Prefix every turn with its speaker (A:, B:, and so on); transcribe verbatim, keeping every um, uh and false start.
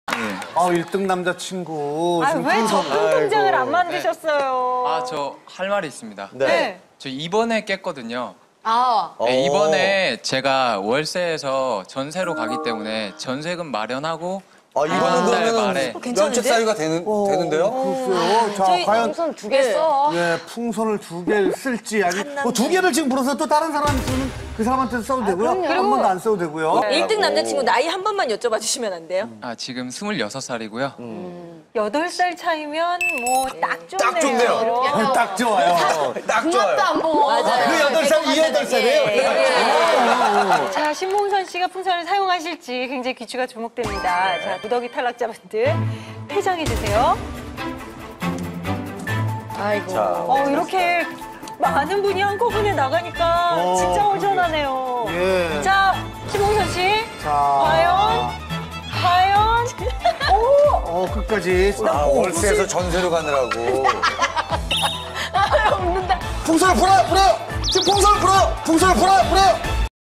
A: 아, 일 등 남자친구.
B: 아,
A: 지금
B: 왜
A: 풍선-
B: 적금 통장을 안
A: 아이고.
B: 만드셨어요?
C: 아, 저 할 말이 있습니다.
B: 네.
C: 저 이번에 깼거든요.
B: 아,
C: 네, 이번에 제가 월세에서 전세로 가기 때문에 전세금 마련하고
D: 아, 이거는
C: 이번 달
D: 그러면은
C: 말에
D: 면책 사유가 되는, 되는데요?
A: 글쎄요. 자,
B: 저희
A: 과연
B: 풍선 두 개 써.
A: 예, 풍선을 두 개를 쓸지 아니 뭐 두 개를 지금 불어서 또 다른 사람이 쓰면 그 사람한테 써도 되고요. 한
B: 그럼요.
A: 번도 안 써도 되고요.
E: 일 등 남자친구 나이 한 번만 여쭤봐 주시면 안 돼요?
C: 아, 지금 스물여섯 살이고요.
B: 여덟 살 차이면 뭐 딱 좋네요.
D: 딱 좋네요.
A: 어, 딱 좋아요.
D: 딱 좋아요.
B: 안 보고.
E: 맞아요.
D: 그 여덟 살, 이 여덟 살이에요?
B: 자, 신봉선 씨가 풍선을 사용하실지 굉장히 귀추가 주목됩니다. 자, 무더기 탈락자분들 퇴장해 주세요.
E: 아이고.
D: 자,
B: 어, 이렇게 많은 분이 한꺼번에 나가니까
A: 어,
B: 진짜 허전하네요.
A: 예.
B: 자, 신봉선 씨.
A: 자,
B: 과연? 과연? 오!
A: 어, 끝까지.
D: 아, 월세에서 전세로 가느라고.
E: 없는다.
D: 풍선을 불어요, 불어요! 지금 풍선을 불어요! 풍선을 불어요, 불어요!